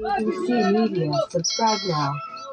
ABC Media. Subscribe now.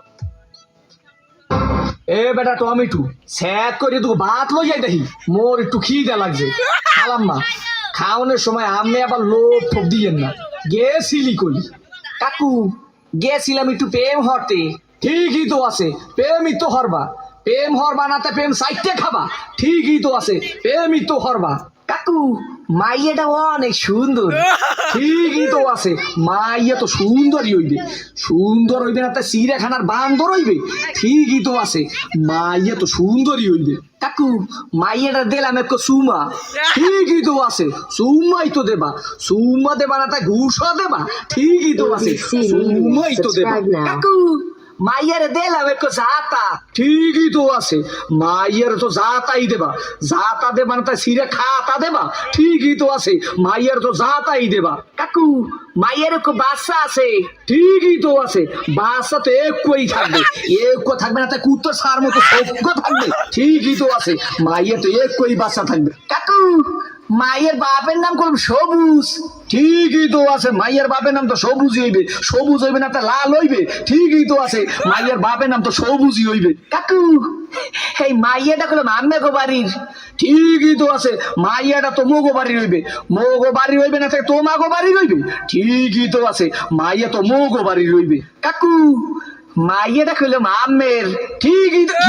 এ বেটা tomato sec করে তুই ভাত লই যাই দেখি মোর একটু খিদে লাগছে খালাম না খাওয়ানোর সময় আমি আবার লোভ ঠোপ দিয়েন না গেছিলি কই কাকু গেছিলাম একটু প্রেম হরতে ঠিকই তো আছে প্রেমই তো হরবা প্রেম হরবা না তা প্রেম সাইটে খাবা ঠিকই তো আছে প্রেমই তো হরবা কাকু মাইয়াটা অনেক সুন্দর ঠিকই তো আছে মাইয়া তো সুন্দরই হইবে সুন্দর হইবে না তা চিড়িয়াখানার বান্দর হইবে ঠিকই তো আছে মাইয়া তো সুন্দরই হইবে কাকু মাইয়াটা দিলাম একটু সুমা ঠিকই তো আছে সুমাই তো দেবা সুমা দেবা না তা ঘুষও দেবা ঠিকই তো আছে সুমাই তো দেবা কাকু মাইয়ারে দিলাম একটু জাতা ঠিকই তো আছে মাইয়ারে তো জাতাই দেবা জাতা দেবা না তা সিরে খাতা দেবা ঠিকই তো আছে মাইয়ার তো জাতাই দেবা কাকু মাইয়ার একটু বাচ্চা আছে ঠিকই তো আছে বাচ্চা তো একই থাকবে একো থাকবে না তা কুত্তর সার মতো সভ্য থাকবে ঠিকই তো আছে মাইয়ার তো একই বাচ্চা থাকবে কাকু মায়ের বাপের নাম করব সবুজ ঠিকই তো আছে মায়ের বাপের নাম তো সবুজই হইবে সবুজ হইবে না তা লাল হইবে ঠিকই তো আছে মায়ের বাপের নাম তো সবুজই হইবে কাকু এই মাইয়াটা করলাম আম্মেগো বাড়ির ঠিকই তো আছে মাইয়াটা তো মোগো বাড়ির হইবে মোগো বাড়ি হইবে না থাকে তোমাগো বাড়ি হইবে ঠিকই তো আছে মাইয়া তো মোগো বাড়ির হইবে কাকু মাইয়াটা করলাম আম্মের ঠিকই তো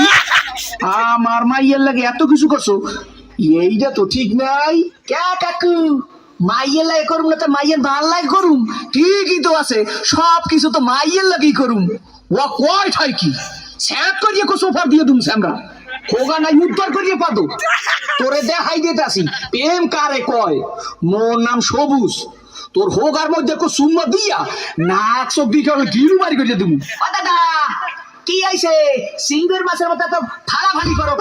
আমার মাইয়ের লাগে এত কিছু করছো এইটা তো ঠিক নাই কে কাকু মাইয়ের লাগে করুম না তো মাইয়ের ভাল লাগে করুম ঠিকই তো আছে সব কিছু তো মাইয়ের লাগেই করুম ও কয় ঠাই কি স্যাপ করিয়ে কো সোফা দিয়ে দুম আমরা হোগা নাই উদ্ধার করিয়ে পাদো তোরে দেখাই দিতে আসি প্রেম কারে কয় মোর নাম সবুজ তোর হোগার মধ্যে কো সুম্মা দিয়া নাক চোখ দিকে গিরু বাড়ি করিয়ে দিমু ও দাদা কি আইছে সিংহের মাছের মতো তো ফাড়াফাড়ি করো